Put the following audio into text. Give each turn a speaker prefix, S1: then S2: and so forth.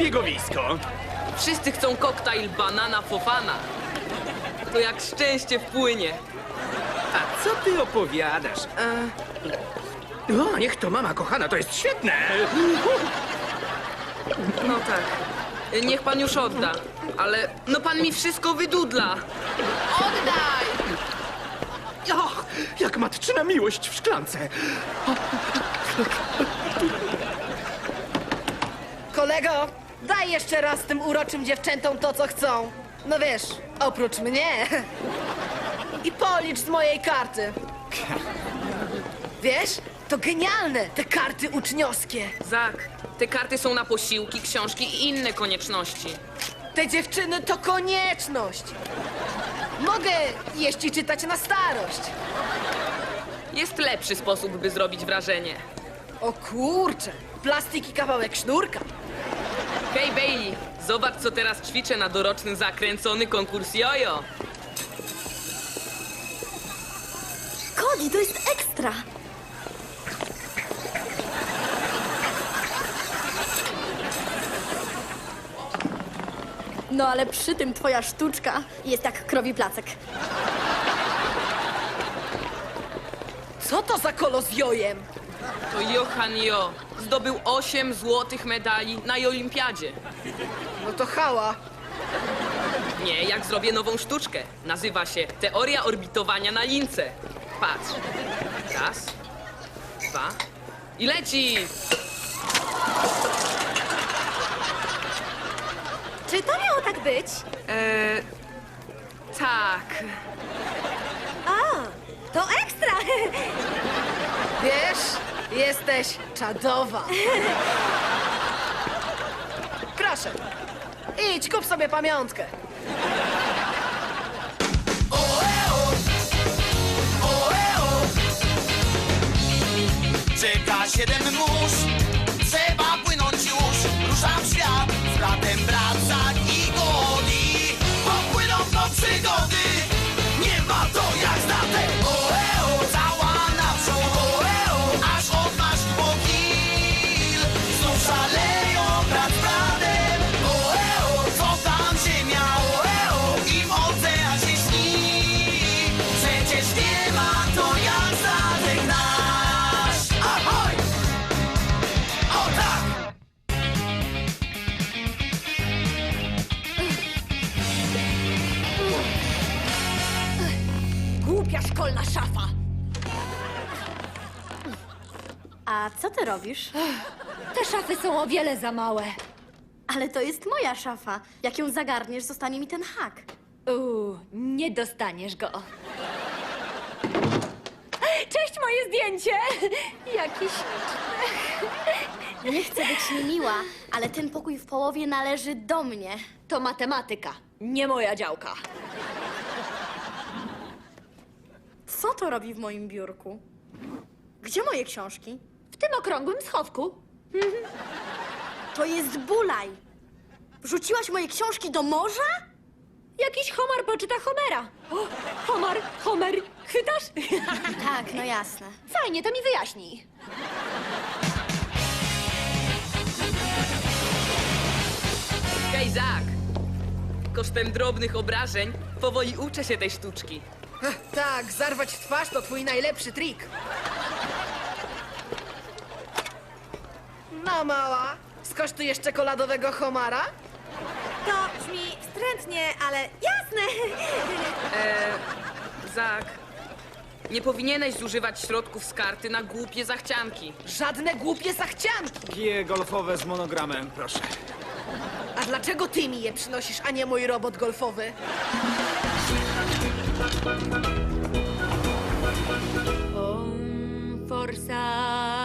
S1: zbiegowisko.
S2: Wszyscy chcą koktajl banana fofana. To jak szczęście wpłynie.
S1: A co ty opowiadasz? O, niech to mama kochana, to jest świetne.
S2: No tak. Niech pan już odda. Ale no pan mi wszystko wydudla.
S3: Oddaj!
S1: Och, jak matczyna miłość w szklance.
S3: Kolego, daj jeszcze raz tym uroczym dziewczętom to, co chcą. No wiesz, oprócz mnie. I policz z mojej karty. Wiesz, to genialne, te karty uczniowskie.
S2: Zak, te karty są na posiłki, książki i inne konieczności.
S3: Te dziewczyny to konieczność. Mogę jeść i czytać na starość.
S2: Jest lepszy sposób, by zrobić wrażenie.
S3: O kurczę, plastik i kawałek sznurka.
S2: Hej Bailey, zobacz co teraz ćwiczę na doroczny zakręcony konkurs jojo.
S4: Cody, to jest ekstra! No ale przy tym twoja sztuczka jest jak krowi placek.
S3: Co to za kolo z jojem?
S2: To Johan Jo zdobył 8 złotych medali na olimpiadzie.
S3: No to hała.
S2: Nie, jak zrobię nową sztuczkę. Nazywa się Teoria orbitowania na lince. Patrz. Raz, dwa i leci!
S4: Czy to miało tak być?
S2: Tak.
S4: A, to ekstra!
S3: Wiesz, jesteś czadowa. Proszę, idź, kup sobie pamiątkę.
S5: Czeka 7 mórz, trzeba płynąć już. Ruszam w świat, z bratem wracać i goni. Popłyną do przygody, nie ma to jak znate. Cała naprzód, aż odmasz po kil. Znów szaleją brat z bratem, co tam ziemia, im ocean się śni. Przecież nie ma to jak statek nasz. Ahoj! O tak!
S4: Głupia szkolna szafa! A co ty robisz?
S6: Te szafy są o wiele za małe.
S4: Ale to jest moja szafa. Jak ją zagarniesz, zostanie mi ten hak.
S6: Nie dostaniesz go. Cześć, moje zdjęcie! Jakiś...
S4: Nie chcę być niemiła, ale ten pokój w połowie należy do mnie.
S6: To matematyka, nie moja działka.
S4: Co to robi w moim biurku? Gdzie moje książki?
S6: W tym okrągłym schowku.
S4: To jest bulaj. Wrzuciłaś moje książki do morza?
S6: Jakiś Homar poczyta Homera. O, Homer, chwytasz?
S4: Tak, no jasne.
S6: Fajnie, to mi wyjaśnij.
S2: Hej Zak! Kosztem drobnych obrażeń powoli uczę się tej sztuczki.
S3: Tak, zarwać twarz to twój najlepszy trik. No mała, skosztujesz czekoladowego homara?
S4: To brzmi wstrętnie, ale jasne.
S2: Zak, nie powinieneś zużywać środków z karty na głupie zachcianki.
S3: Żadne głupie zachcianki.
S1: Gie golfowe z monogramem, proszę.
S3: A dlaczego ty mi je przynosisz, a nie mój robot golfowy?
S6: Forza